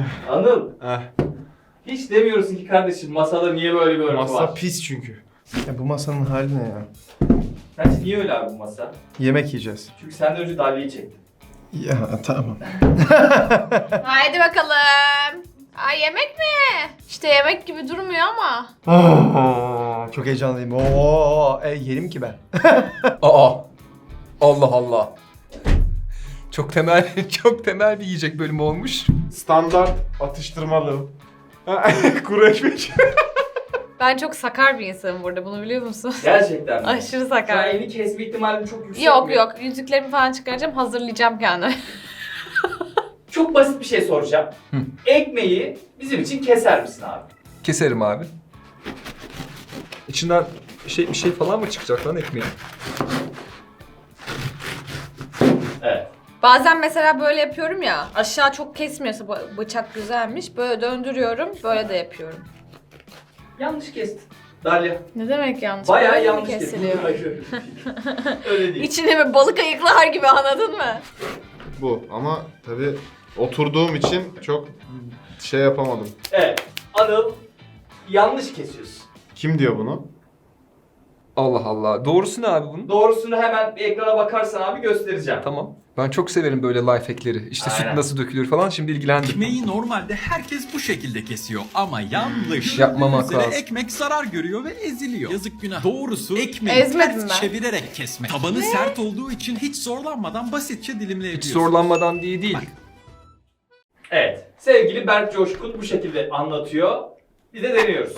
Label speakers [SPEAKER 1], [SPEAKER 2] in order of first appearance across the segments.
[SPEAKER 1] Anıl.
[SPEAKER 2] Heh.
[SPEAKER 1] Hiç demiyorsun ki kardeşim masada niye böyle bir örtü
[SPEAKER 2] Masa
[SPEAKER 1] var?
[SPEAKER 2] pis çünkü. Ya bu masanın hali ne ya?
[SPEAKER 1] Sence niye öyle abi bu masa?
[SPEAKER 2] Yemek yiyeceğiz.
[SPEAKER 1] Çünkü senden önce Dalye'yi çektim.
[SPEAKER 2] Ya tamam.
[SPEAKER 3] Haydi bakalım. Ay yemek mi? İşte yemek gibi durmuyor ama.
[SPEAKER 2] Çok heyecanlıyım. Oo, yerim ki ben.
[SPEAKER 4] Aa. Allah Allah. Çok temel çok temel bir yiyecek bölümü olmuş.
[SPEAKER 2] Standart atıştırmalı. Kuru ekmek.
[SPEAKER 3] Ben çok sakar bir insanım burada, bunu biliyor musun?
[SPEAKER 1] Gerçekten mi?
[SPEAKER 3] Aşırı
[SPEAKER 1] Sen
[SPEAKER 3] sakar.
[SPEAKER 1] elini kesme ihtimalin çok yüksek
[SPEAKER 3] Yok
[SPEAKER 1] mi?
[SPEAKER 3] yok, yüzüklerimi falan çıkaracağım, hazırlayacağım kendimi.
[SPEAKER 1] Çok basit bir şey soracağım.
[SPEAKER 4] Hı.
[SPEAKER 1] Ekmeği bizim için keser misin abi?
[SPEAKER 4] Keserim abi. İçinden bir şey falan mı çıkacak lan ekmeğin?
[SPEAKER 1] Evet.
[SPEAKER 3] Bazen mesela böyle yapıyorum ya, aşağı çok kesmiyorsa bıçak güzelmiş, böyle döndürüyorum, böyle de yapıyorum.
[SPEAKER 1] Yanlış kestin. Dalya.
[SPEAKER 3] Ne demek yanlış?
[SPEAKER 1] Bayağı
[SPEAKER 3] Böyle mi
[SPEAKER 1] yanlış kestin.
[SPEAKER 3] kesiliyor?
[SPEAKER 1] Hayır. Öyle değil.
[SPEAKER 3] İçine mi balık ayıklar gibi, anladın mı?
[SPEAKER 2] Bu ama tabii oturduğum için çok şey yapamadım.
[SPEAKER 1] Evet. Anıl yanlış kesiyorsun.
[SPEAKER 2] Kim diyor bunu?
[SPEAKER 4] Allah Allah. Doğrusu ne abi bunun?
[SPEAKER 1] Doğrusunu hemen bir ekrana bakarsan abi göstereceğim.
[SPEAKER 4] Tamam. Ben çok severim böyle life hackleri. İşte süt
[SPEAKER 1] Aynen.
[SPEAKER 4] nasıl dökülür falan, şimdi ilgilendim.
[SPEAKER 5] Ekmeği normalde herkes bu şekilde kesiyor ama yanlış.
[SPEAKER 4] Yapmamak
[SPEAKER 5] Üzere
[SPEAKER 4] lazım.
[SPEAKER 5] ekmek zarar görüyor ve eziliyor. Yazık günah. Doğrusu ekmeği
[SPEAKER 3] Ezmedim
[SPEAKER 5] ters
[SPEAKER 3] ben.
[SPEAKER 5] çevirerek kesmek. Tabanı sert olduğu için hiç zorlanmadan basitçe
[SPEAKER 4] Hiç
[SPEAKER 5] dilimleyebiliyorsun.
[SPEAKER 4] zorlanmadan diye değil.
[SPEAKER 1] Evet. Sevgili Berk Coşkun bu şekilde anlatıyor. Biz de deniyoruz.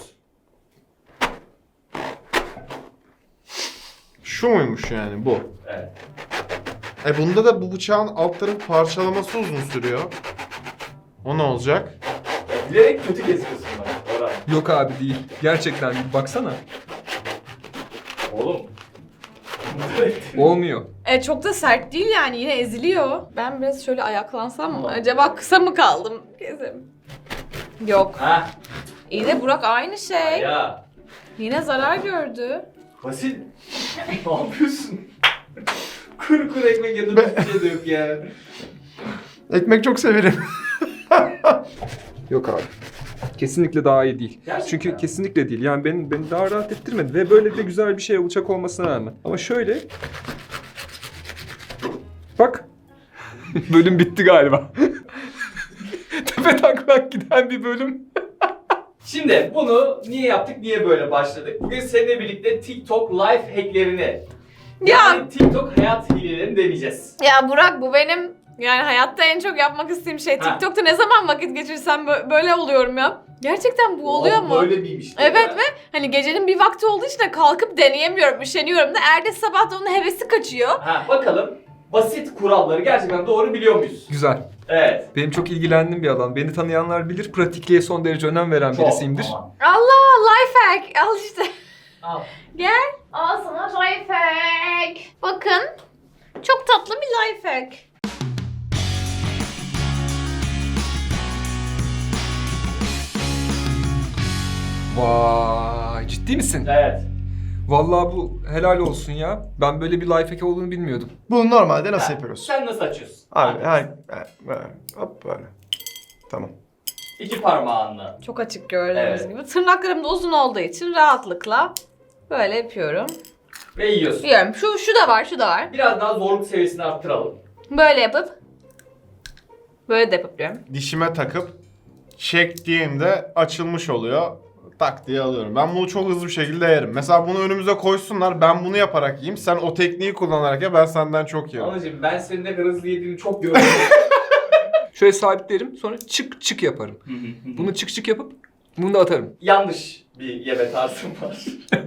[SPEAKER 2] Şu muymuş yani bu?
[SPEAKER 1] Evet.
[SPEAKER 2] Bunda da bu bıçağın altların parçalaması uzun sürüyor. O ne olacak?
[SPEAKER 1] Bilerek kötü kesiyorsun bak. Orhan.
[SPEAKER 4] Yok abi değil. Gerçekten bir baksana.
[SPEAKER 1] Oğlum.
[SPEAKER 4] Olmuyor.
[SPEAKER 3] Çok da sert değil yani, yine eziliyor. Ben biraz şöyle ayaklansam mı? Acaba kısa mı kaldım? Kesim. Yok.
[SPEAKER 1] Ha.
[SPEAKER 3] İyi de Burak aynı şey.
[SPEAKER 1] Ya.
[SPEAKER 3] Yine zarar gördü.
[SPEAKER 1] Vasil. Ne yapıyorsun? Kuru kuru ekmek yanında bir şey de yok yani.
[SPEAKER 2] Ekmek çok severim.
[SPEAKER 4] Yok abi. Kesinlikle daha iyi değil.
[SPEAKER 1] Gerçekten.
[SPEAKER 4] Çünkü kesinlikle değil. Yani beni daha rahat ettirmedi ve böyle de güzel bir şey olacak olmasına rağmen. Ama şöyle. Bak. Bölüm bitti galiba. Tepe taklak giden bir bölüm.
[SPEAKER 1] Şimdi bunu niye yaptık, niye böyle başladık? Bugün seninle birlikte TikTok life hacklerini, yani TikTok hayat hilelerini deneyeceğiz.
[SPEAKER 3] Ya Burak, bu benim yani hayatta en çok yapmak istediğim şey.
[SPEAKER 1] Ha.
[SPEAKER 3] TikTok'ta ne zaman vakit geçirsem böyle oluyorum ya. Gerçekten bu oluyor mu?
[SPEAKER 1] Böyle miymiş?
[SPEAKER 3] Evet ve hani gecenin bir vakti olduğu için de kalkıp deneyemiyorum, üşeniyorum da. Ertesi sabah da onun hevesi kaçıyor.
[SPEAKER 1] Ha, bakalım basit kuralları gerçekten doğru biliyor muyuz?
[SPEAKER 4] Güzel.
[SPEAKER 1] Evet.
[SPEAKER 4] Benim çok ilgilendiğim bir alan. Beni tanıyanlar bilir. Pratikliğe son derece önem veren birisiyimdir.
[SPEAKER 1] Aman.
[SPEAKER 3] Allah, life hack. Al işte.
[SPEAKER 1] Al.
[SPEAKER 3] Gel. Al sana life hack. Bakın. Çok tatlı bir life hack.
[SPEAKER 4] Vay, ciddi misin?
[SPEAKER 1] Evet.
[SPEAKER 4] Vallahi bu helal olsun ya. Ben böyle bir life hack olduğunu bilmiyordum.
[SPEAKER 2] Bunu normalde nasıl
[SPEAKER 1] Ha,
[SPEAKER 2] yapıyoruz?
[SPEAKER 1] Sen nasıl açıyorsun?
[SPEAKER 2] Abi böyle. Hop böyle. Tamam.
[SPEAKER 1] İki parmağınla.
[SPEAKER 3] Çok açık gördüğünüz
[SPEAKER 1] Evet.
[SPEAKER 3] gibi. Tırnaklarım da uzun olduğu için rahatlıkla böyle yapıyorum.
[SPEAKER 1] Ve yiyorsun.
[SPEAKER 3] Yiyorum. Şu da var, şu da var.
[SPEAKER 1] Biraz daha zorluk seviyesini arttıralım.
[SPEAKER 3] Böyle yapıp böyle de yapıyorum.
[SPEAKER 2] Dişime takıp çektiğimde açılmış oluyor. Tak diye alıyorum. Ben bunu çok hızlı bir şekilde yerim. Mesela bunu önümüze koysunlar, ben bunu yaparak yiyeyim. Sen o tekniği kullanarak ya, ben senden çok yerim.
[SPEAKER 1] Anacığım ben senin ne kadar hızlı yediğini çok gördüm.
[SPEAKER 4] Şöyle sabitlerim, sonra çık çık yaparım. Bunu çık çık yapıp bunu da atarım.
[SPEAKER 1] Yanlış bir yeme tarzım var.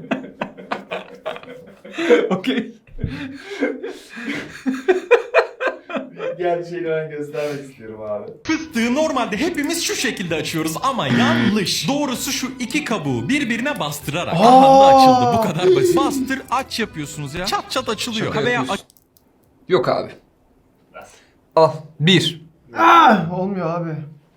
[SPEAKER 4] Okey.
[SPEAKER 1] Gerçeğini ben göstermek istiyorum abi.
[SPEAKER 5] Fıstığı normalde hepimiz şu şekilde açıyoruz ama yanlış. Doğrusu şu iki kabuğu birbirine bastırarak. Aha da açıldı, bu kadar basit. Bastır aç yapıyorsunuz ya. Çat çat açılıyor.
[SPEAKER 4] Şaka
[SPEAKER 5] Veya
[SPEAKER 4] yapıyorsun. Yok abi.
[SPEAKER 1] Nasıl?
[SPEAKER 4] Al. 1.
[SPEAKER 2] Olmuyor abi.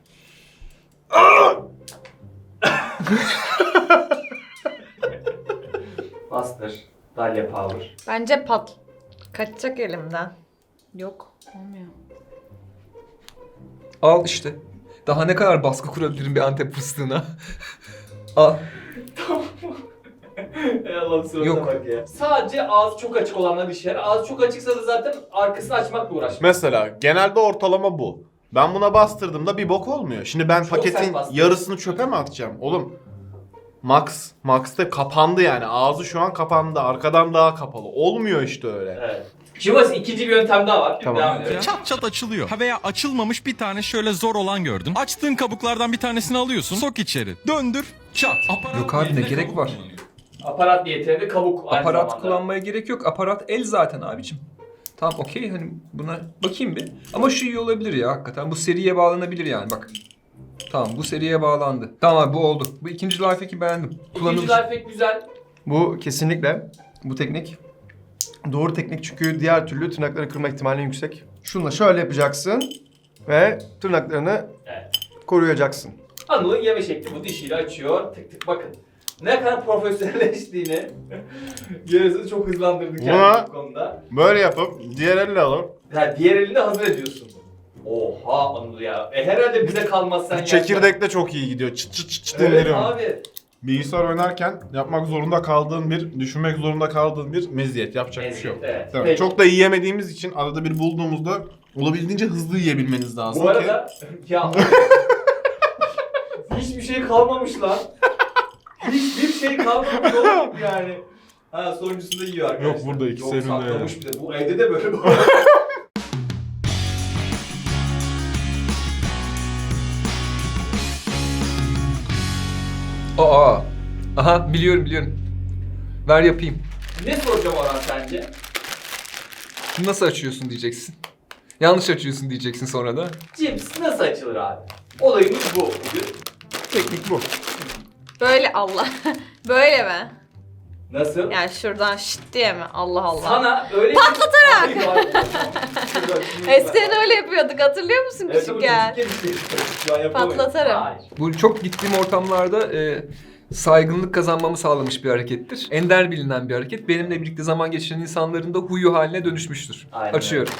[SPEAKER 1] Bastır. Dalya power.
[SPEAKER 3] Bence kaçacak elimden. Yok, olmuyor.
[SPEAKER 4] Al işte. Daha ne kadar baskı kurabilirim bir Antep fıstığına? Al.
[SPEAKER 1] Ey Allah'ım surata
[SPEAKER 4] Yok.
[SPEAKER 1] bak ya. Sadece ağzı çok açık olanlar işe yarar. Ağzı çok açıksa da zaten arkasını açmakla uğraşmak.
[SPEAKER 2] Mesela genelde ortalama bu. Ben buna bastırdığımda bir bok olmuyor. Şimdi ben
[SPEAKER 1] Çok
[SPEAKER 2] paketin
[SPEAKER 1] sert bastın.
[SPEAKER 2] yarısını çöpe mi atacağım? Oğlum Max'ta kapandı yani. Ağzı şu an kapandı. Arkadan daha kapalı. Olmuyor işte öyle.
[SPEAKER 1] Evet. Şimdi burası ikinci bir yöntem daha var.
[SPEAKER 2] Tamam.
[SPEAKER 1] Devam edelim.
[SPEAKER 5] Çat çat açılıyor. Ha veya açılmamış bir tane şöyle zor olan gördün. Açtığın kabuklardan bir tanesini alıyorsun. Sok içeri. Döndür. Çat. Aparat
[SPEAKER 4] Yok abi, ne
[SPEAKER 5] yerine
[SPEAKER 4] gerek
[SPEAKER 5] kabuk
[SPEAKER 4] var?
[SPEAKER 5] kullanıyor.
[SPEAKER 1] Aparat niyetine de kabuk aynı
[SPEAKER 4] Aparat
[SPEAKER 1] zamanda.
[SPEAKER 4] kullanmaya gerek yok. Aparat el zaten abicim. Tamam okey, hani buna bakayım bir. Ama şu iyi olabilir ya hakikaten. Bu seriye bağlanabilir yani bak. Tamam, bu seriye bağlandı. Tamam abi, bu oldu. Bu ikinci lifehack'i beğendim.
[SPEAKER 1] İkinci
[SPEAKER 4] Kullanılır.
[SPEAKER 1] lifehack güzel.
[SPEAKER 6] Bu kesinlikle bu teknik doğru teknik çünkü diğer türlü tırnakları kırma ihtimali yüksek. Şunla şöyle yapacaksın ve tırnaklarını
[SPEAKER 1] Evet.
[SPEAKER 6] koruyacaksın.
[SPEAKER 1] Anıl'ın yeme şekli bu, dişiyle açıyor. Tık tık bakın. Ne kadar profesyonelleştiğini görüyorsunuz, çok hızlandırdı kendini
[SPEAKER 2] Buna-
[SPEAKER 1] bu konuda.
[SPEAKER 2] Böyle yapıp diğer elle alıp
[SPEAKER 1] Yani diğer elini hazır ediyorsun. Oha Anıl ya. Herhalde bize kalmaz sen
[SPEAKER 2] çekirdek de çok iyi gidiyor. Çıt çıt çıt çıt
[SPEAKER 1] Evet
[SPEAKER 2] indiriyorum.
[SPEAKER 1] abi.
[SPEAKER 2] Bilgisayar oynarken yapmak zorunda kaldığın düşünmek zorunda kaldığın bir meziyet. Yapacak bir şey yok.
[SPEAKER 1] Evet.
[SPEAKER 2] Tamam.
[SPEAKER 1] Peki.
[SPEAKER 2] Çok da yiyemediğimiz için arada bir bulduğumuzda olabildiğince hızlı yiyebilmeniz lazım
[SPEAKER 1] Bu arada ya hiçbir şey kalmamış lan. Hiçbir şey kalmamış oğlum yani. Ha, sonuncusunda yiyor arkadaşlar.
[SPEAKER 2] Yok, burada ikisi
[SPEAKER 1] Yok,
[SPEAKER 2] elinde
[SPEAKER 1] saklamış bir de. Bu evde de böyle bu.
[SPEAKER 4] Aa. Aha, biliyorum. Ver yapayım.
[SPEAKER 1] Ne soracağım Orhan sence?
[SPEAKER 4] Şunu nasıl açıyorsun diyeceksin. Yanlış açıyorsun diyeceksin sonra da.
[SPEAKER 1] Cips nasıl açılır abi? Olayımız bu bugün.
[SPEAKER 2] teknik bu.
[SPEAKER 3] Böyle Allah. Böyle mi?
[SPEAKER 1] Nasıl?
[SPEAKER 3] Yani şuradan şşt diye mi? Allah Allah.
[SPEAKER 1] Sana öyle
[SPEAKER 3] Patlatarak.
[SPEAKER 1] bir...
[SPEAKER 3] Eskiden öyle yapıyorduk, hatırlıyor musun
[SPEAKER 1] Evet, bu
[SPEAKER 3] küçükken?
[SPEAKER 1] küçükken bir şey. Şu an yapamayız.
[SPEAKER 3] Patlatırım.
[SPEAKER 1] Hayır.
[SPEAKER 4] Bu çok gittiğim ortamlarda saygınlık kazanmamı sağlamış bir harekettir. Ender bilinen bir hareket. Benimle birlikte zaman geçiren insanların da huyu haline dönüşmüştür.
[SPEAKER 1] Aynen
[SPEAKER 4] Açıyorum.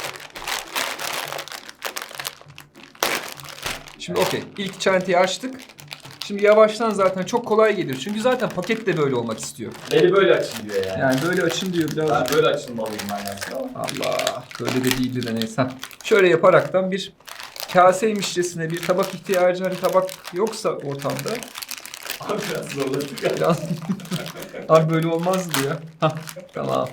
[SPEAKER 4] Şimdi okey. İlk çantayı açtık. Şimdi yavaştan zaten çok kolay gelir. Çünkü zaten paket de böyle olmak istiyor.
[SPEAKER 1] Beni böyle açın diyor yani.
[SPEAKER 4] Yani böyle açın diyor
[SPEAKER 1] Ben
[SPEAKER 4] birazcık.
[SPEAKER 1] böyle açılmalıyım ben yani.
[SPEAKER 4] Allah. Böyle de değildi de neyse. Şöyle yaparaktan bir kaseymişçesine bir tabak ihtiyacı, hani tabak yoksa ortamda.
[SPEAKER 1] Abi biraz zorladık.
[SPEAKER 4] Biraz... Abi böyle olmazdı ya. Hah, tamam.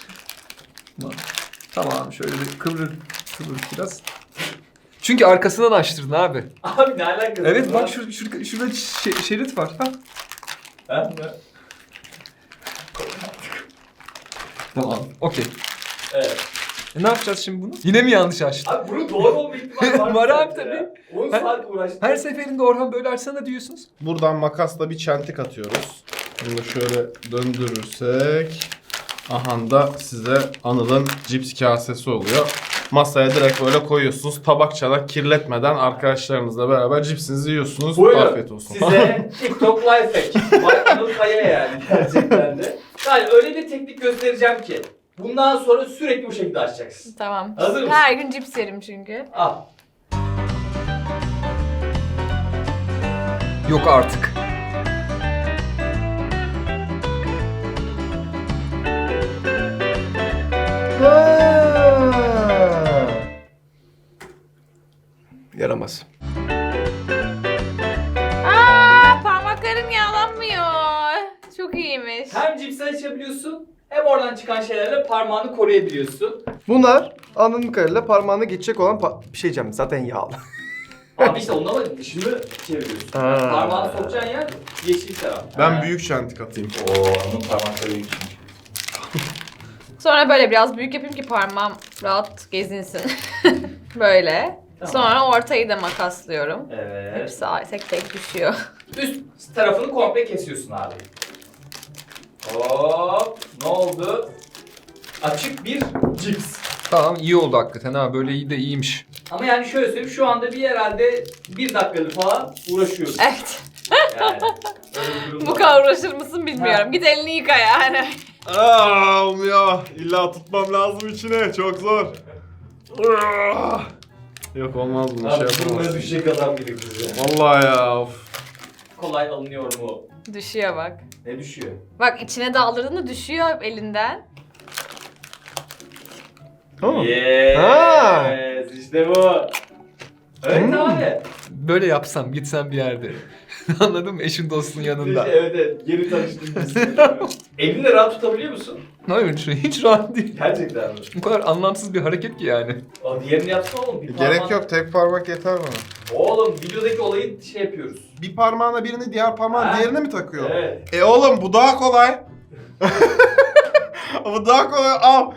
[SPEAKER 4] Tamam, şöyle bir kıvır biraz. Çünkü arkasından açtırdın abi.
[SPEAKER 1] Abi ne alakası
[SPEAKER 4] Evet
[SPEAKER 1] var?
[SPEAKER 4] bak şurada şerit var. Ha.
[SPEAKER 1] Ha?
[SPEAKER 4] Tamam. Okey.
[SPEAKER 1] Evet.
[SPEAKER 4] Ne yapacağız şimdi bunu? Yine mi yanlış açtın?
[SPEAKER 1] Abi bunun doğru olma ihtimali var mı?
[SPEAKER 4] Var abi
[SPEAKER 1] sence
[SPEAKER 4] tabii.
[SPEAKER 1] ya? 10
[SPEAKER 4] Her-
[SPEAKER 1] saat uğraştım.
[SPEAKER 4] Her seferinde Orhan böyle açsana diyorsunuz.
[SPEAKER 2] Buradan makasla bir çentik atıyoruz. Bunu da şöyle döndürürsek aha da size Anıl'ın cips kasesi oluyor. Masaya direkt böyle koyuyorsunuz. Tabak çanak kirletmeden arkadaşlarınızla beraber cipsinizi yiyorsunuz.
[SPEAKER 1] Buyurun.
[SPEAKER 2] Afiyet olsun.
[SPEAKER 1] Size TikTok Lifehack. Vay Anıl Kaya yani gerçekten de. Yani öyle bir teknik göstereceğim ki bundan sonra sürekli bu şekilde açacaksın.
[SPEAKER 3] Tamam.
[SPEAKER 1] Hazır mısın?
[SPEAKER 3] Her gün cips yerim çünkü.
[SPEAKER 1] Al.
[SPEAKER 4] Yok artık.
[SPEAKER 6] Yaramaz.
[SPEAKER 3] Parmaklarım yağlanmıyor. Çok iyiymiş.
[SPEAKER 1] Hem cipsi açabiliyorsun hem oradan çıkan şeylerle parmağını koruyabiliyorsun.
[SPEAKER 6] Bunlar anladığım kadarıyla parmağına geçecek olan bir şey diyeceğim zaten yağlı.
[SPEAKER 1] Abi işte onunla da dışını çeviriyorsun.
[SPEAKER 6] Ha.
[SPEAKER 1] Parmağını sokacağın yer yeşil taraf.
[SPEAKER 2] Ben büyük çentik atayım.
[SPEAKER 1] Oo, onun parmakları büyük.
[SPEAKER 3] Sonra böyle biraz büyük yapayım ki parmağım rahat gezinsin. Böyle.
[SPEAKER 1] Tamam.
[SPEAKER 3] Sonra ortayı da makaslıyorum.
[SPEAKER 1] Evet.
[SPEAKER 3] Hepsi tek tek düşüyor.
[SPEAKER 1] Üst tarafını komple kesiyorsun abi. Hop, ne oldu? Açık bir cips.
[SPEAKER 4] Tamam, iyi oldu hakikaten ha, böyle iyi de iyiymiş.
[SPEAKER 1] Ama yani şöyle söyleyeyim, şu anda bir herhalde 1 dakikadır falan uğraşıyoruz.
[SPEAKER 3] Evet.
[SPEAKER 1] Yani. Öyle bir durum
[SPEAKER 3] Bu
[SPEAKER 1] var.
[SPEAKER 3] kadar uğraşır mısın bilmiyorum.
[SPEAKER 1] Ha.
[SPEAKER 3] Git elini yıka yani.
[SPEAKER 2] Olmuyor. İlla tutmam lazım içine. Çok zor. Yok olmaz bunu
[SPEAKER 1] Abi
[SPEAKER 2] şey
[SPEAKER 1] bunlara
[SPEAKER 2] yapamazsın.
[SPEAKER 1] düşecek adam gibi kız ya.
[SPEAKER 2] Vallahi ya of.
[SPEAKER 1] Kolay alınıyor mu?
[SPEAKER 3] Düşüyor bak.
[SPEAKER 1] Ne düşüyor?
[SPEAKER 3] Bbak içine daldırdığında düşüyor elinden.
[SPEAKER 6] Tamam.
[SPEAKER 1] Yes. İşte bu. Evet abi.
[SPEAKER 4] Böyle yapsam, gitsem bir yerde. Anladın mı? Eşin dostun yanında.
[SPEAKER 1] Evet evet. Yeni tanıştığımız. Elini rahat tutabiliyor musun?
[SPEAKER 4] Hayır, hiç rahat değil.
[SPEAKER 1] Gerçekten mi?
[SPEAKER 4] Bu kadar anlamsız bir hareket ki yani.
[SPEAKER 1] O diğerini yapsana oğlum. Bir
[SPEAKER 2] Gerek
[SPEAKER 1] parmağın-
[SPEAKER 2] yok, tek parmak yeter bana.
[SPEAKER 1] Oğlum videodaki olayı şey yapıyoruz.
[SPEAKER 2] Bir parmağına birini, diğer parmağın
[SPEAKER 1] Ha?
[SPEAKER 2] diğerine mi takıyor?
[SPEAKER 1] Evet.
[SPEAKER 2] Oğlum bu daha kolay. Bu daha kolay. Al.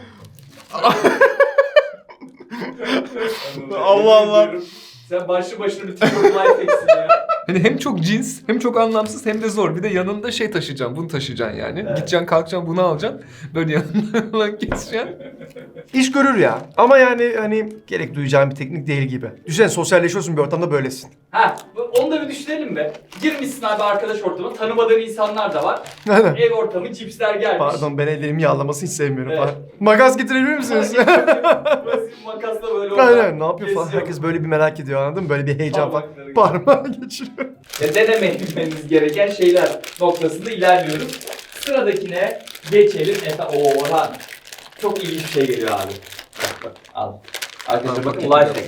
[SPEAKER 2] Allah Allah.
[SPEAKER 1] Sen başlı başına bir TikTok life hack'sin ya.
[SPEAKER 4] Hani hem çok cins, hem çok anlamsız, hem de zor. Bir de yanında şey taşıyacaksın, bunu taşıyacaksın yani.
[SPEAKER 1] Evet.
[SPEAKER 4] Gideceksin, kalkacaksın, bunu alacaksın. Böyle yanından falan geçeceksin.
[SPEAKER 6] İş görür ya. Ama yani hani gerek duyacağın bir teknik değil gibi. Düşünsene sosyalleşiyorsun bir ortamda böylesin.
[SPEAKER 1] Ha, onu da bir düşünelim be. Girmişsin abi arkadaş ortamına, tanımadığın insanlar da var.
[SPEAKER 6] Aynen.
[SPEAKER 1] Ev ortamı, cipsler gelmiş.
[SPEAKER 6] Pardon ben ellerimi yağlamasını hiç sevmiyorum.
[SPEAKER 1] Evet.
[SPEAKER 6] Pardon. Makas getirebilir misiniz?
[SPEAKER 1] Basit makasla böyle
[SPEAKER 6] Aynen ne yapıyor falan.
[SPEAKER 1] kesiyor.
[SPEAKER 6] Herkes böyle bir merak ediyor anladın mı? Böyle bir heyecan falan.
[SPEAKER 1] Parmakları
[SPEAKER 6] Parmağı geçiriyor.
[SPEAKER 1] Denememiz gereken şeyler noktasında ilerliyoruz. Sıradakine geçelim. Orhan. Çok ilginç bir şey geliyor abi. Bak, al. Arkadaşlar bakın life hack.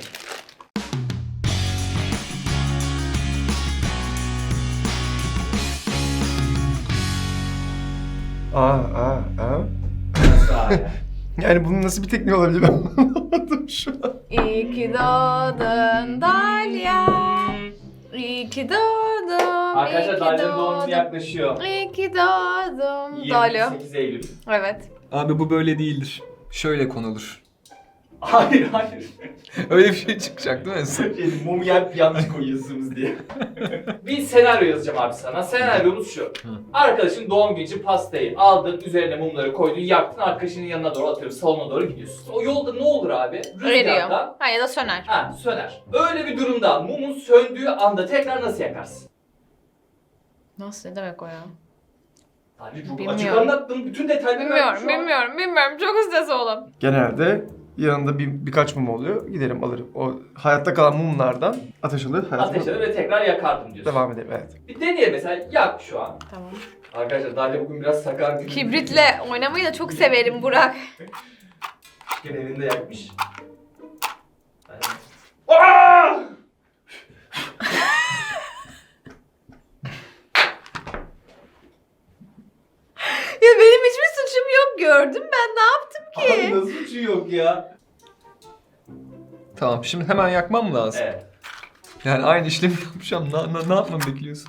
[SPEAKER 6] Aa.
[SPEAKER 1] Nasıl abi?
[SPEAKER 6] Yani bunun nasıl bir tekniği olabilir ben anlamadım şu an.
[SPEAKER 3] İyi ki doğdun Dalya. İyi ki doğdum.
[SPEAKER 1] Arkadaşlar
[SPEAKER 3] iyi ki
[SPEAKER 1] Dalya'nın doğum günü
[SPEAKER 3] doğdum.
[SPEAKER 1] yaklaşıyor.
[SPEAKER 3] İyi ki doğdum. Dalya.
[SPEAKER 1] 28 Eylül.
[SPEAKER 3] Evet.
[SPEAKER 4] Abi bu böyle değildir. Şöyle konulur.
[SPEAKER 1] Hayır.
[SPEAKER 4] Öyle bir şey çıkacak değil mi?
[SPEAKER 1] Mumu yer yanlış koyuyorsunuz diye. Bir senaryo yazacağım abi sana. Senaryomuz şu. Arkadaşın doğum günü için pastayı aldın, üzerine mumları koydun, yaktın, arkadaşının yanına doğru atıyorum, salona doğru gidiyorsun. O yolda ne olur abi?
[SPEAKER 3] Eriyor.
[SPEAKER 1] Rüzgardan
[SPEAKER 3] Ha ya da söner.
[SPEAKER 1] söner. Öyle bir durumda mumun söndüğü anda tekrar nasıl yakarsın?
[SPEAKER 3] Nasıl ne demek o ya?
[SPEAKER 1] Abi çok
[SPEAKER 3] Bilmiyorum.
[SPEAKER 1] açık anlattım. Bütün detayları verdim şu an.
[SPEAKER 3] Bilmiyorum. Çok ustas oğlum.
[SPEAKER 6] Genelde yanında birkaç mum oluyor. Giderim alırım. O hayatta kalan mumlardan ateş alır.
[SPEAKER 1] Ateşle ve tekrar yakardım diyorsun.
[SPEAKER 6] Devam edelim evet.
[SPEAKER 1] Bir deneyelim mesela. Yak şu an.
[SPEAKER 3] Tamam.
[SPEAKER 1] Arkadaşlar Dalya bugün biraz sakar gibi.
[SPEAKER 3] Kibritle oynamayı da çok severim Burak.
[SPEAKER 1] Gene elinde yakmış. Aa!
[SPEAKER 3] Ya benim hiçbir suçum yok gördüm ben ne yaptım ki?
[SPEAKER 1] Abi nasıl suçu yok ya?
[SPEAKER 4] Tamam, şimdi hemen yakmam mı lazım?
[SPEAKER 1] Evet.
[SPEAKER 4] Yani aynı işlemi yapacağım. Ne yapmamı bekliyorsun?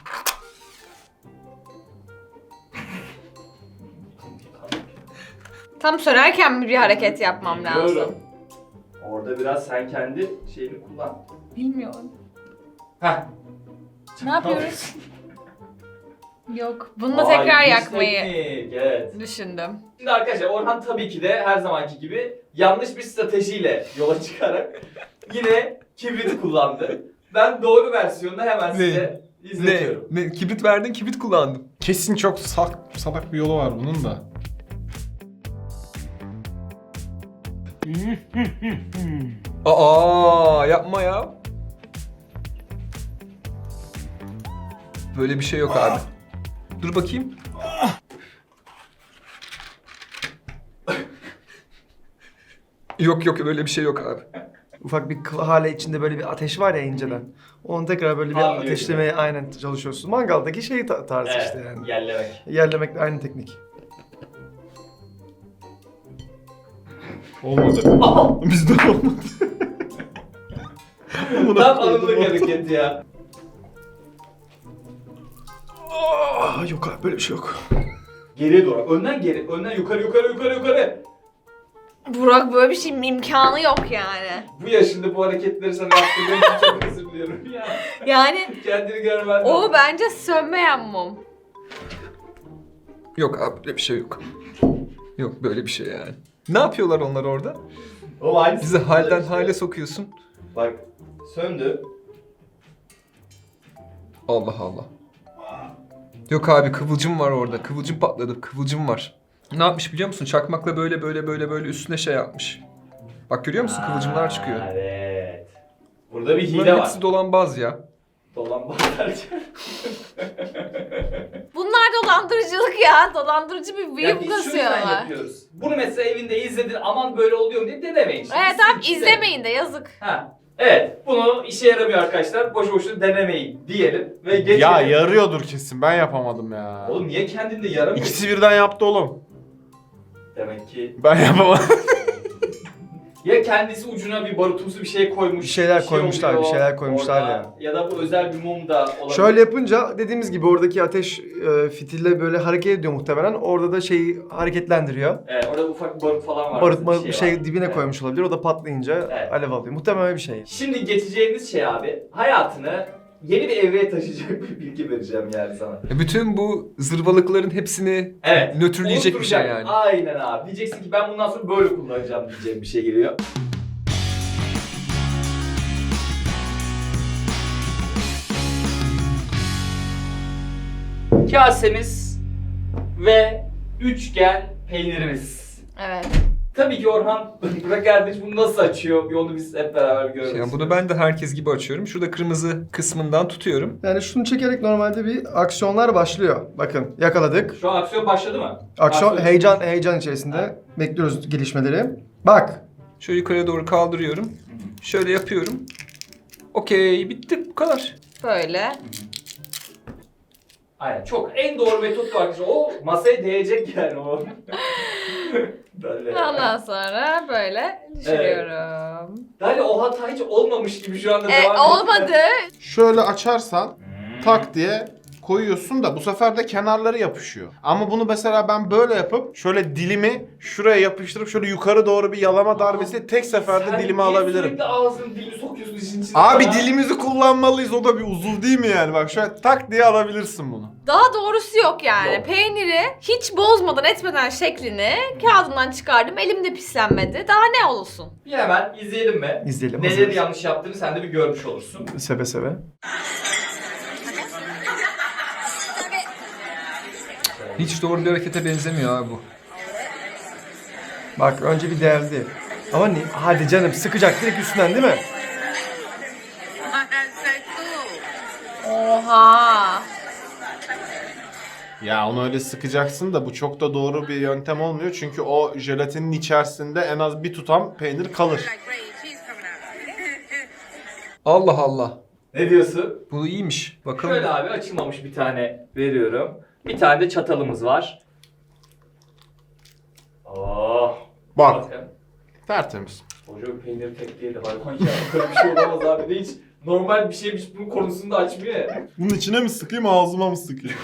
[SPEAKER 3] Tam sönerken mi bir hareket yapmam lazım?
[SPEAKER 1] Bilmiyorum. Orada biraz sen kendi şeyini kullan.
[SPEAKER 3] Bilmiyorum.
[SPEAKER 1] Heh.
[SPEAKER 3] Ne yapıyoruz? Yok. Bununla
[SPEAKER 1] Vay,
[SPEAKER 3] tekrar
[SPEAKER 1] güç
[SPEAKER 3] yakmayı
[SPEAKER 1] teknik, evet.
[SPEAKER 3] düşündüm.
[SPEAKER 1] Şimdi arkadaşlar Orhan tabii ki de her zamanki gibi yanlış bir stratejiyle yola çıkarak yine kibriti kullandı. Ben doğru versiyonunu hemen size izletiyorum.
[SPEAKER 4] Ne? Kibrit verdin, kibrit kullandım.
[SPEAKER 2] Kesin çok salak bir yolu var bunun da.
[SPEAKER 4] Aa, yapma ya. Böyle bir şey yok abi. Dur bakayım. Yok böyle bir şey yok abi.
[SPEAKER 6] Ufak bir hale içinde böyle bir ateş var ya inceden. Onu tekrar böyle bir
[SPEAKER 1] Anlıyor
[SPEAKER 6] ateşlemeye aynen çalışıyorsun. Mangaldaki şey tarzı
[SPEAKER 1] Evet,
[SPEAKER 6] işte yani.
[SPEAKER 1] yerlemek.
[SPEAKER 6] Yerlemekle aynı teknik.
[SPEAKER 2] Olmadı. Bizde olmadı.
[SPEAKER 1] Tam anımlık hareket ya.
[SPEAKER 6] Yok abi böyle bir şey yok.
[SPEAKER 1] Geriye doğru. Önden geri. Önden yukarı.
[SPEAKER 3] Burak böyle bir şeyin imkanı yok yani.
[SPEAKER 1] Bu yaşında bu hareketleri sana yaptırdığım için çok özür diliyorum ya.
[SPEAKER 3] Yani
[SPEAKER 1] Kendini görmen
[SPEAKER 3] o
[SPEAKER 1] lazım.
[SPEAKER 3] bence sönmeyen mum.
[SPEAKER 4] Yok abi, böyle bir şey yok. Yok böyle bir şey yani. Ne yapıyorlar onlar orada?
[SPEAKER 1] O aynısı.
[SPEAKER 4] Bizi halden
[SPEAKER 1] işte.
[SPEAKER 4] hale sokuyorsun.
[SPEAKER 1] Bak söndü.
[SPEAKER 4] Allah Allah. Yok abi, kıvılcım var orada. Kıvılcım patladı. Kıvılcım var. Ne yapmış biliyor musun? Çakmakla böyle üstüne şey yapmış. Bak görüyor musun? Kıvılcımlar çıkıyor.
[SPEAKER 1] Evet. Burada bir hile
[SPEAKER 4] Bunların
[SPEAKER 1] var.
[SPEAKER 4] hepsi dolanbaz ya.
[SPEAKER 1] Dolanbazlar.
[SPEAKER 3] Bunlar dolandırıcılık ya. Dolandırıcı bir
[SPEAKER 1] Ya
[SPEAKER 3] büyük
[SPEAKER 1] biz şu yüzden
[SPEAKER 3] kasıyorlar.
[SPEAKER 1] yapıyoruz. Bunu mesela evinde izledin, aman böyle oluyor mu diye denemeyin. Şimdi.
[SPEAKER 3] Evet tamam
[SPEAKER 1] Siz-
[SPEAKER 3] izlemeyin de yazık.
[SPEAKER 1] Ha. Evet, bunu işe yaramıyor arkadaşlar. Boşu boşuna denemeyin diyelim ve geçelim.
[SPEAKER 2] Ya yarıyordur kesin. Ben yapamadım ya.
[SPEAKER 1] Oğlum niye kendinde yaramıyor?
[SPEAKER 2] İkisi birden yaptı oğlum.
[SPEAKER 1] Demek ki
[SPEAKER 2] Ben yapamadım.
[SPEAKER 1] ya kendisi ucuna bir barutumsu bir şey koymuş.
[SPEAKER 6] Bir şeyler
[SPEAKER 1] şey
[SPEAKER 6] koymuşlar,
[SPEAKER 1] oluyor
[SPEAKER 6] bir şeyler koymuşlar
[SPEAKER 1] orada.
[SPEAKER 6] ya.
[SPEAKER 1] Ya da bu özel bir mum da olabilir.
[SPEAKER 6] Şöyle yapınca dediğimiz gibi oradaki ateş fitille böyle hareket ediyor muhtemelen. Orada da şeyi hareketlendiriyor.
[SPEAKER 1] Evet, orada ufak bir barut falan var.
[SPEAKER 6] Barıtma bir
[SPEAKER 1] var.
[SPEAKER 6] şey dibine
[SPEAKER 1] Evet.
[SPEAKER 6] koymuş olabilir. O da patlayınca
[SPEAKER 1] Evet.
[SPEAKER 6] alev alıyor. Muhtemelen bir şey.
[SPEAKER 1] Şimdi geçeceğimiz şey abi, hayatını yeni bir evreye taşıyacak bir bilgi vereceğim yani sana.
[SPEAKER 4] Bütün bu zırvalıkların hepsini
[SPEAKER 1] Evet.
[SPEAKER 4] nötrleyecek bir şey
[SPEAKER 1] unutturacak.
[SPEAKER 4] yani.
[SPEAKER 1] Aynen abi. Diyeceksin ki ben bundan sonra böyle kullanacağım diyeceğim bir şey geliyor. Kasemiz ve üçgen peynirimiz.
[SPEAKER 3] Evet.
[SPEAKER 1] Tabii ki Orhan, Burak kardeş bunu nasıl açıyor? Bir onu biz hep beraber görelim.
[SPEAKER 4] Yani bunu ben de herkes gibi açıyorum. Şurada kırmızı kısmından tutuyorum.
[SPEAKER 6] Yani şunu çekerek normalde bir aksiyonlar başlıyor. Bakın yakaladık.
[SPEAKER 1] Şu an aksiyon başladı mı?
[SPEAKER 6] Aksiyon heyecan içerisinde
[SPEAKER 1] Evet.
[SPEAKER 6] bekliyoruz gelişmeleri. Bak.
[SPEAKER 4] Şöyle yukarıya doğru kaldırıyorum. Şöyle yapıyorum. Okey, bitti, bu kadar.
[SPEAKER 3] Böyle.
[SPEAKER 1] Aynen. Çok en doğru metot bu arkadaşlar. O masaya değecek yani o. Böyle.
[SPEAKER 3] Ondan sonra böyle düşürüyorum.
[SPEAKER 1] Yani o hata hiç olmamış gibi şu anda devam ediyor.
[SPEAKER 3] Olmadı.
[SPEAKER 2] Şöyle açarsan tak diye koyuyorsun da bu sefer de kenarları yapışıyor. Ama bunu mesela ben böyle yapıp şöyle dilimi şuraya yapıştırıp şöyle yukarı doğru bir yalama darbesi tek seferde
[SPEAKER 1] Sen
[SPEAKER 2] dilimi
[SPEAKER 1] niye
[SPEAKER 2] alabilirim.
[SPEAKER 1] sürekli ağzını dilini sokuyorsun işin içine?
[SPEAKER 2] Abi
[SPEAKER 1] ya?
[SPEAKER 2] dilimizi kullanmalıyız, o da bir uzuv değil mi yani? Bak şöyle tak diye alabilirsin bunu.
[SPEAKER 3] Daha doğrusu yok yani.
[SPEAKER 1] Yok.
[SPEAKER 3] Peyniri hiç bozmadan etmeden şeklini kağıdından çıkardım. Elimde pislenmedi. Daha ne olsun?
[SPEAKER 1] Bir hemen izleyelim mi?
[SPEAKER 6] İzleyelim.
[SPEAKER 1] Neleri
[SPEAKER 6] hazırız.
[SPEAKER 1] yanlış yaptığını sen de bir görmüş olursun.
[SPEAKER 6] Seve seve.
[SPEAKER 4] Hiç doğru bir harekete benzemiyor abi bu.
[SPEAKER 6] Bak önce bir deldi. Ama hadi canım sıkacak direkt üstünden değil mi?
[SPEAKER 3] Oha.
[SPEAKER 2] Ya onu öyle sıkacaksın da bu çok da doğru bir yöntem olmuyor. Çünkü o jelatinin içerisinde en az bir tutam peynir kalır.
[SPEAKER 4] Allah Allah.
[SPEAKER 1] Ne diyorsun?
[SPEAKER 4] Bu iyiymiş. Bakalım.
[SPEAKER 1] Şöyle abi açılmamış bir tane veriyorum. Bir tane de çatalımız var. Oh.
[SPEAKER 2] Bak
[SPEAKER 1] Bakın.
[SPEAKER 2] tertemiz.
[SPEAKER 1] Koca bir peynir tek değil de hayvan ya. Böyle bir şey olamaz abi de hiç normal bir şeymiş bunun konusunda açmıyor ya.
[SPEAKER 2] Bunun içine mi sıkayım ağzıma mı sıkayım?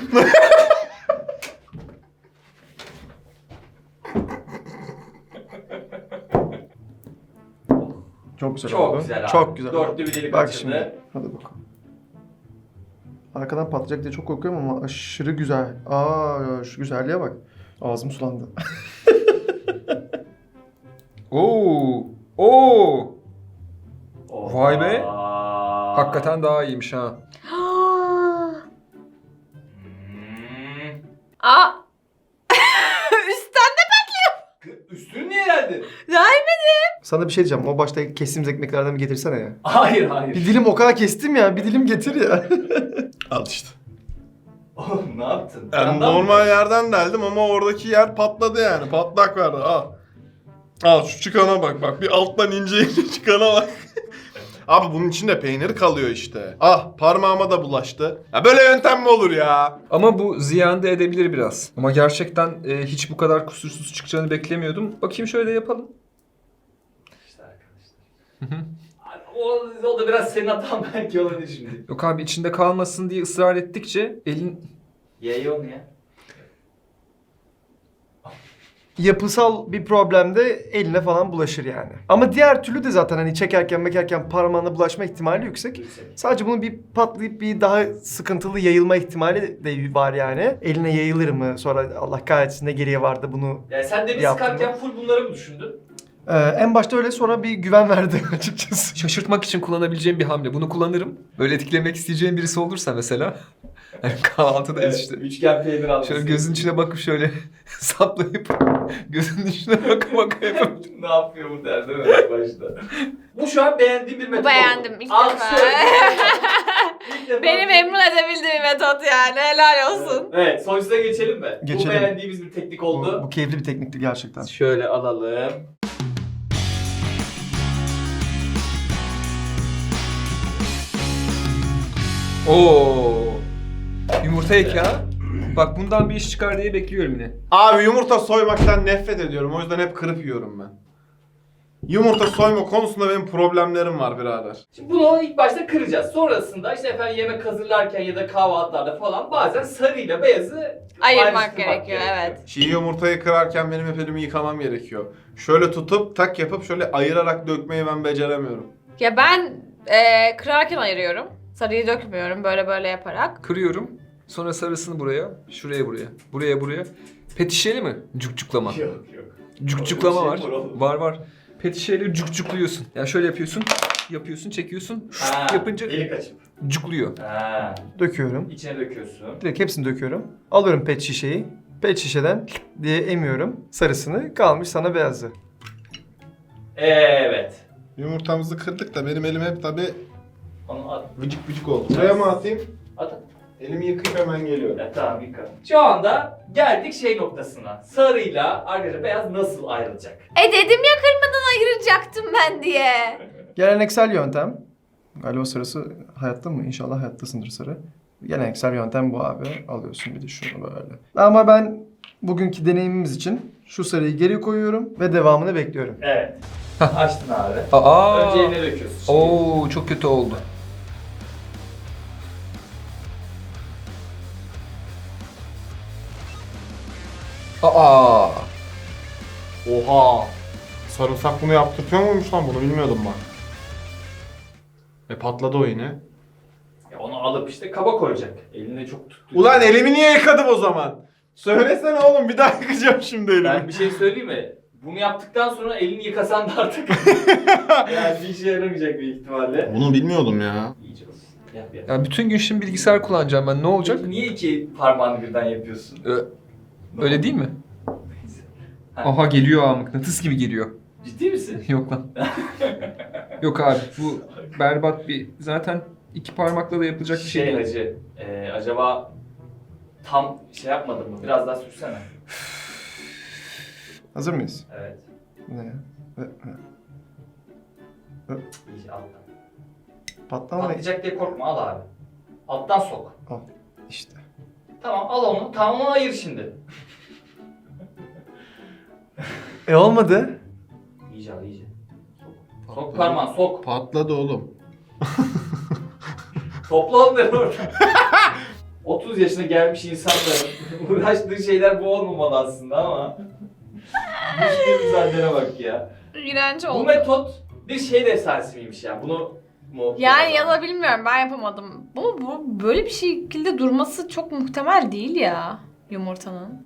[SPEAKER 6] Çok güzel
[SPEAKER 1] Çok
[SPEAKER 6] oldu.
[SPEAKER 1] güzel abi.
[SPEAKER 6] Çok güzel oldu.
[SPEAKER 1] Dörtlü bir delik
[SPEAKER 6] Bak
[SPEAKER 1] açıldı.
[SPEAKER 6] şimdi. Hadi bakalım. Arkadan patlayacak diye çok korkuyorum ama aşırı güzel. Aa şu güzelliğe bak. Ağzım sulandı.
[SPEAKER 4] Oo. Oo.
[SPEAKER 1] Oh.
[SPEAKER 4] Vay be.
[SPEAKER 1] Aa.
[SPEAKER 4] Hakikaten daha iyiymiş ha.
[SPEAKER 1] Hmm.
[SPEAKER 3] Aa. Üstten
[SPEAKER 1] Üstünü niye geldin?
[SPEAKER 6] Sana bir şey diyeceğim. O başta kestiğimiz ekmeklerden bir getirsene ya.
[SPEAKER 1] Hayır hayır.
[SPEAKER 6] Bir dilim o kadar kestim ya. Bir dilim getir ya.
[SPEAKER 2] Al işte.
[SPEAKER 1] Oğlum ne yaptın?
[SPEAKER 2] Yani
[SPEAKER 1] Yandan mı?
[SPEAKER 2] normal yerden deldim ama oradaki yer patladı yani. Patlak vardı. Al. Al şu çıkana bak bak. Bir alttan ince ince çıkana bak. Abi bunun içinde peynir kalıyor işte. Ah parmağıma da bulaştı. Ya böyle yöntem mi olur ya?
[SPEAKER 4] Ama bu ziyan da edebilir biraz. Ama gerçekten hiç bu kadar kusursuz çıkacağını beklemiyordum. Bakayım şöyle yapalım.
[SPEAKER 1] İşte arkadaşlar. O da biraz senin hatan belki olabilir şimdi.
[SPEAKER 4] Yok abi içinde kalmasın diye ısrar ettikçe elin...
[SPEAKER 1] Ye onu ya.
[SPEAKER 6] Yapısal bir problemde eline falan bulaşır yani. Ama diğer türlü de zaten hani çekerken mekerken parmağına bulaşma ihtimali yüksek. Sadece bunun bir patlayıp bir daha sıkıntılı yayılma ihtimali de var yani. Eline yayılır mı? Sonra Allah kahretsin ne geriye vardı bunu.
[SPEAKER 1] Yani sen de bir
[SPEAKER 6] Yaptım
[SPEAKER 1] sıkarken full bunları mı düşündün?
[SPEAKER 6] En başta öyle sonra bir güven verdi açıkçası.
[SPEAKER 4] Şaşırtmak için kullanabileceğim bir hamle. Bunu kullanırım. Böyle etkilemek isteyeceğim birisi olursa mesela. Yani kahvaltıdayız işte.
[SPEAKER 1] Üçgen peynir almışsın.
[SPEAKER 4] Şöyle gözün içine bakıp şöyle saplayıp gözünün içine baka yapıp.
[SPEAKER 1] Ne yapıyor bu der değil mi başta? Bu şu an beğendiğim bir metot
[SPEAKER 3] Beğendim
[SPEAKER 1] oldu.
[SPEAKER 3] ilk
[SPEAKER 1] Alkışlıyorum.
[SPEAKER 3] defa.
[SPEAKER 1] İlk defa.
[SPEAKER 3] Beni memnun edebildiği bir metot yani. Helal olsun.
[SPEAKER 1] Evet, sonuçta geçelim mi? Bu
[SPEAKER 6] Geçelim.
[SPEAKER 1] beğendiğimiz bir teknik oldu.
[SPEAKER 6] Bu keyifli bir teknikti gerçekten.
[SPEAKER 1] Şöyle alalım.
[SPEAKER 4] Oo. Yumurta ek ya. Bak bundan bir iş çıkar diye bekliyorum yine.
[SPEAKER 2] Abi yumurta soymaktan nefret ediyorum. O yüzden hep kırıp yiyorum ben. Yumurta soyma konusunda benim problemlerim var birader.
[SPEAKER 1] Şimdi bunu ilk başta kıracağız. Sonrasında işte efendim yemek hazırlarken ya da kahvaltılarda falan bazen sarıyla beyazı
[SPEAKER 3] Ayırmak
[SPEAKER 1] ayrıştırmak
[SPEAKER 3] gerekiyor evet.
[SPEAKER 2] Çiğ yumurtayı kırarken benim hep elimi yıkamam gerekiyor. Şöyle tutup tak yapıp şöyle ayırarak dökmeyi ben beceremiyorum.
[SPEAKER 3] Ya ben kırarken ayırıyorum. Sarıyı dökmüyorum böyle yaparak.
[SPEAKER 4] Kırıyorum. Sonra sarısını buraya, şuraya buraya, buraya buraya. Petişeli mi? Cukcuklama.
[SPEAKER 1] Yok yok.
[SPEAKER 4] Cukcuklama
[SPEAKER 1] Öyle
[SPEAKER 4] var.
[SPEAKER 1] bir şey var oğlum.
[SPEAKER 4] Var. Petişeyle cukcukluyorsun. Yani şöyle yapıyorsun, çekiyorsun.
[SPEAKER 1] Ha,
[SPEAKER 4] Yapınca
[SPEAKER 1] delik açıp.
[SPEAKER 4] cukluyor.
[SPEAKER 1] Ha,
[SPEAKER 6] Döküyorum.
[SPEAKER 1] içine döküyorsun.
[SPEAKER 6] Direkt hepsini döküyorum. Alıyorum pet şişeyi. Pet şişeden diye emiyorum sarısını. Kalmış sana beyazı.
[SPEAKER 1] Evet.
[SPEAKER 2] Yumurtamızı kırdık da benim elim hep tabi
[SPEAKER 1] Onu at.
[SPEAKER 2] vıcık vıcık oldu. Buraya mı atayım?
[SPEAKER 1] At.
[SPEAKER 2] Elimi yıkayıp hemen geliyorum.
[SPEAKER 1] Ya, tamam yıka. Şu anda geldik şey noktasına. Sarıyla arkadaşlar beyaz nasıl ayrılacak?
[SPEAKER 3] Dedim ya kırmadan ayıracaktım ben diye.
[SPEAKER 6] Geleneksel yöntem. Galiba sarısı hayatta mı? İnşallah hayattasındır sarı. Geleneksel yöntem bu abi. Alıyorsun bir de şunu böyle. Ama ben bugünkü deneyimimiz için şu sarıyı geri koyuyorum ve devamını bekliyorum.
[SPEAKER 1] Evet. Açtın abi.
[SPEAKER 4] Aa.
[SPEAKER 1] Önce eline döküyorsun. Şimdi.
[SPEAKER 4] Oo, çok kötü oldu. Aa.
[SPEAKER 2] Oha! Sarımsak bunu yaptırtıyor muymuş lan bunu bilmiyordum ben. Patladı o yine.
[SPEAKER 1] Ya onu alıp işte kaba koyacak. Eline çok tuttu.
[SPEAKER 2] Ulan elimi niye yıkadım o zaman? Söylesene oğlum bir daha yıkayacağım şimdi elimi.
[SPEAKER 1] Ben bir şey söyleyeyim mi? Bunu yaptıktan sonra elini yıkasan da artık yani bir işe yaramayacak büyük ihtimalle.
[SPEAKER 2] Bunu bilmiyordum ya.
[SPEAKER 1] İyice olsun. Yap yap.
[SPEAKER 4] Ya bütün gün şimdi bilgisayar kullanacağım ben. Ne olacak?
[SPEAKER 1] Niye iki parmağını birden yapıyorsun?
[SPEAKER 4] Öyle değil mi?
[SPEAKER 1] Neyse. Ha,
[SPEAKER 4] Aha geliyor ha, mıknatıs gibi geliyor.
[SPEAKER 1] Ciddi misin?
[SPEAKER 4] Yok lan. Yok abi bu berbat bir zaten iki parmakla da yapılacak bir şey değil.
[SPEAKER 1] Hacı, acaba tam şey yapmadın mı? Biraz daha sürsene.
[SPEAKER 6] Hazır mıyız?
[SPEAKER 1] Evet.
[SPEAKER 6] Ne ya?
[SPEAKER 1] İyice alttan.
[SPEAKER 6] Patlama
[SPEAKER 1] Patlayacak diye korkma, al abi. Alttan sok.
[SPEAKER 6] işte.
[SPEAKER 1] Tamam, al onu. Tamam, onu ayır şimdi.
[SPEAKER 6] Olmadı.
[SPEAKER 1] İyice al, iyice. Sok parmağını, sok.
[SPEAKER 2] Patladı oğlum.
[SPEAKER 1] Topla onları oradan. 30 yaşına gelmiş insanların uğraştığı şeyler bu olmamalı aslında ama. Düşündüğümüz mücadelene bak ya.
[SPEAKER 3] İğrenç
[SPEAKER 1] Bu
[SPEAKER 3] oldu.
[SPEAKER 1] metot bir şey efsanesi miymiş ya? Bunu mu?
[SPEAKER 3] Yani ya da bilmiyorum ben yapamadım. Bu böyle bir şekilde durması çok muhtemel değil ya yumurtanın.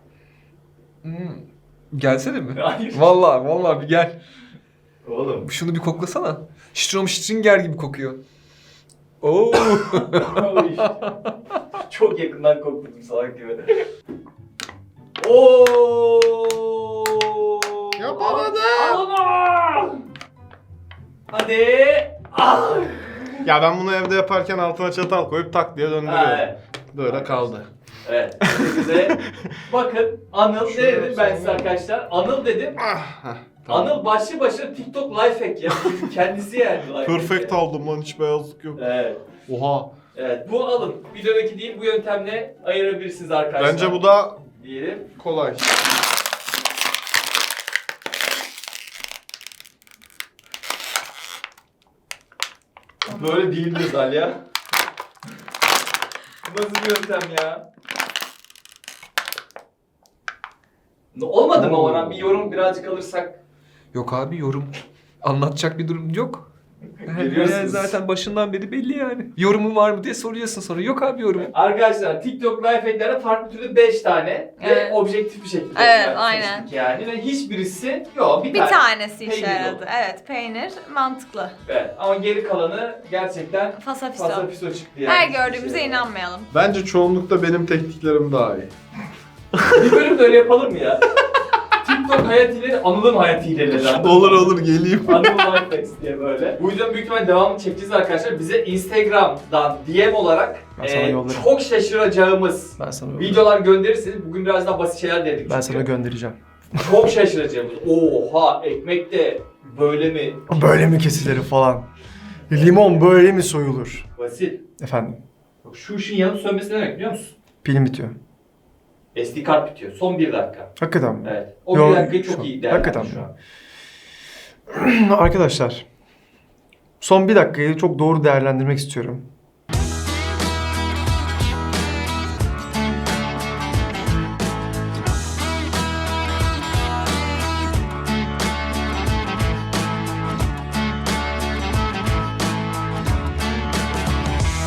[SPEAKER 4] Gelsene mi?
[SPEAKER 1] Hayır.
[SPEAKER 4] Vallahi bir gel.
[SPEAKER 1] Oğlum.
[SPEAKER 4] Şunu bir koklasana. Stromstringer gibi kokuyor. Oo.
[SPEAKER 1] Oy. Çok yakından kokladum salak gibi. Oo!
[SPEAKER 2] Yapamadım.
[SPEAKER 1] Al onu! Hadi! Ah!
[SPEAKER 2] Ya ben bunu evde yaparken altına çatal koyup tak diye döndürüyorum.
[SPEAKER 1] Ha, evet.
[SPEAKER 2] Böyle kaldı.
[SPEAKER 1] Evet. Size bakın Anıl ne
[SPEAKER 2] Şöyle
[SPEAKER 1] dedim ben size
[SPEAKER 2] sonra-
[SPEAKER 1] arkadaşlar? Anıl dedim.
[SPEAKER 2] Heh, tamam.
[SPEAKER 1] Anıl başlı başına TikTok life hack ya. Kendisi yani life hack
[SPEAKER 2] Perfect
[SPEAKER 1] ya.
[SPEAKER 2] aldım lan hiç beyazlık yok.
[SPEAKER 1] Evet.
[SPEAKER 2] Oha.
[SPEAKER 1] Evet. Bu alın. Videodaki değil bu yöntemle ayırabilirsiniz arkadaşlar.
[SPEAKER 2] Bence bu da
[SPEAKER 1] diyelim.
[SPEAKER 2] kolay.
[SPEAKER 1] Böyle değildir Zalya. Bu nasıl bir yöntem ya? Olmadı mı Orhan? Bir yorum birazcık alırsak.
[SPEAKER 4] Yok abi yorum. Anlatacak bir durum yok.
[SPEAKER 1] Görüyorsunuz.
[SPEAKER 4] Yani zaten başından beri belli yani. Yorumu var mı diye soruyorsun sonra. Yok abi yorum.
[SPEAKER 1] Arkadaşlar TikTok life hack'lerde farklı türlü 5 tane
[SPEAKER 3] Evet.
[SPEAKER 1] ve objektif bir şekilde
[SPEAKER 3] Evet,
[SPEAKER 1] seçtik
[SPEAKER 3] aynen.
[SPEAKER 1] yani ve hiçbirisi yok
[SPEAKER 3] Bir tanesi işe
[SPEAKER 1] peynir
[SPEAKER 3] yaradı.
[SPEAKER 1] oldu.
[SPEAKER 3] Evet, peynir mantıklı.
[SPEAKER 1] Evet, ama geri kalanı gerçekten
[SPEAKER 3] Fasafiso.
[SPEAKER 1] fasafiso çıktı yani.
[SPEAKER 3] Her
[SPEAKER 1] Hiçbir
[SPEAKER 3] gördüğümüze
[SPEAKER 1] şey yok.
[SPEAKER 3] inanmayalım.
[SPEAKER 2] Bence çoğunlukta benim tekniklerim daha iyi.
[SPEAKER 1] Bir bölüm de öyle yapalım mı ya? TikTok hayat hileleri, Anıl'ın hayat hileleri.
[SPEAKER 2] Olur geleyim.
[SPEAKER 1] Anıl Lifehacks diye böyle. Bu yüzden büyük ihtimalle devamını çekeceğiz arkadaşlar. Bize Instagram'dan DM olarak
[SPEAKER 6] Ben sana yollarım.
[SPEAKER 1] çok şaşıracağımız
[SPEAKER 6] Ben sana
[SPEAKER 1] videolar gönderirseniz bugün biraz daha basit şeyler dedik.
[SPEAKER 6] Ben
[SPEAKER 1] çünkü.
[SPEAKER 6] sana göndereceğim.
[SPEAKER 1] Çok şaşıracağımız. Oha ekmek de böyle mi?
[SPEAKER 6] Böyle mi kesilir falan. Limon böyle mi soyulur?
[SPEAKER 1] Basit.
[SPEAKER 6] Efendim.
[SPEAKER 1] Bak şu ışığın yanıp sönmesi ne demek biliyor musun?
[SPEAKER 6] Pilim bitiyor.
[SPEAKER 1] SD kart bitiyor. Son 1 dakika.
[SPEAKER 6] Hakikaten mi?
[SPEAKER 1] Evet. O
[SPEAKER 6] Yo,
[SPEAKER 1] 1 dakikayı
[SPEAKER 6] şu
[SPEAKER 1] çok
[SPEAKER 6] an.
[SPEAKER 1] iyi değerlendir
[SPEAKER 6] Hakikaten
[SPEAKER 1] şu
[SPEAKER 6] mi?
[SPEAKER 1] an.
[SPEAKER 6] Arkadaşlar. Son bir dakikayı çok doğru değerlendirmek istiyorum.